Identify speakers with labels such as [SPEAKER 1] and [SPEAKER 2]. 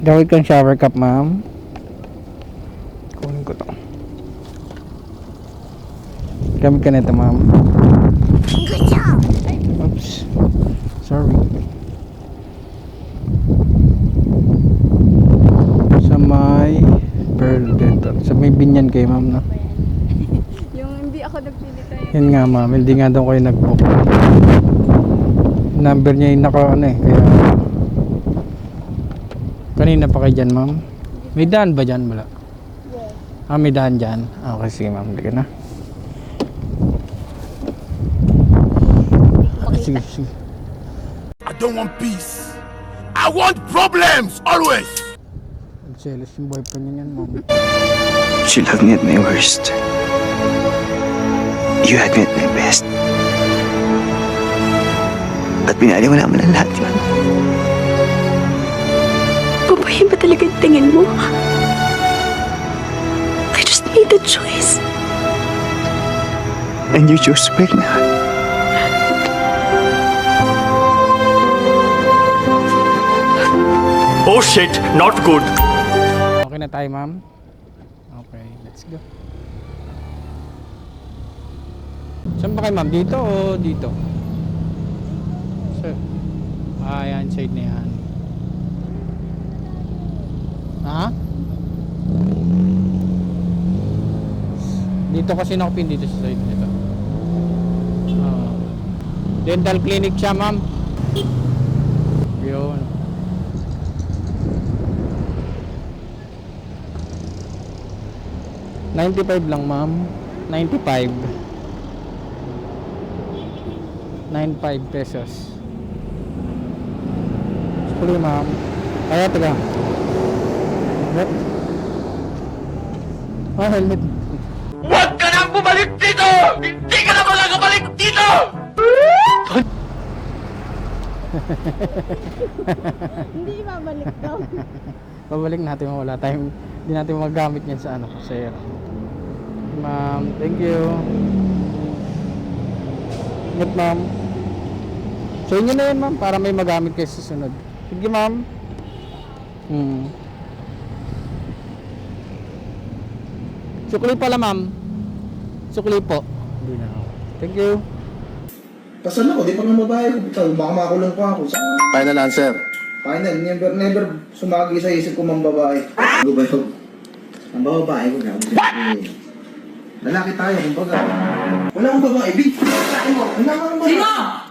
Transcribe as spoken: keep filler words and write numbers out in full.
[SPEAKER 1] Gawin kang shower cup, ma'am. Kunin ko to. Gamit ka nito, ma'am.
[SPEAKER 2] Good job!
[SPEAKER 1] Oops. Sorry. Sa may pearl dito. Sa may binyan kay ma'am, no?
[SPEAKER 3] Yung hindi ako nagpili tayo.
[SPEAKER 1] Yun nga, ma'am. Hindi nga daw kayo nag-book. Number niya yung naka ano eh. Kaya kanina pa kayo dyan, ma'am. May daan ba dyan? Wala.
[SPEAKER 3] Yes.
[SPEAKER 1] Ah, may daan dyan. Ah, okay, sige, ma'am. Hindi ka na. Sige, sige.
[SPEAKER 4] I don't want peace. I want problems always.
[SPEAKER 1] Nagselos yung boyfriend niya yan, ma'am.
[SPEAKER 5] She loved me at my worst. You had me at my best. At pinaliwala mo ng lahat yun.
[SPEAKER 2] Babae ba talaga yung tingin mo? I just made the choice.
[SPEAKER 5] And you chose to break na.
[SPEAKER 4] Oh shit, not good.
[SPEAKER 1] Okay na tayo, ma'am? Okay, let's go. Saan ba kayo, ma'am? Dito o dito? Sir. Ah, yan. Side na yan. Ha? Dito kasi nakapin dito sa side nito. Ah. Dental clinic siya, ma'am. Yun. ninety-five lang, ma'am. ninety-five. ninety-five pesos. Sorry, ma'am. Kaya, taga. What? Ah, helmet.
[SPEAKER 4] Huwag ka nang bumalik dito! Hindi ka na makakabalik dito!
[SPEAKER 3] Hindi ibabalik daw.
[SPEAKER 1] Babalik natin, wala tayong hindi natin magamit yan sa ano, sir. Ma'am, thank you. Ingat, ma'am. So inyo na yan, ma'am, para may magamit kayo sa susunod. Sige, ma'am. Hmm. Sukli pala, ma'am. Sukli po. Hindi na ako. Thank you.
[SPEAKER 6] Kasal ako, di pa nga babae ko. Baka makulong pa ako.
[SPEAKER 7] Final answer.
[SPEAKER 6] Final, never, never sumagi sa isip ko mang babae. Ano ba yun? Ang babae ko na. Lalaki tayo, kumbaga. Wala akong babae, B. Wala akong babae. Sino?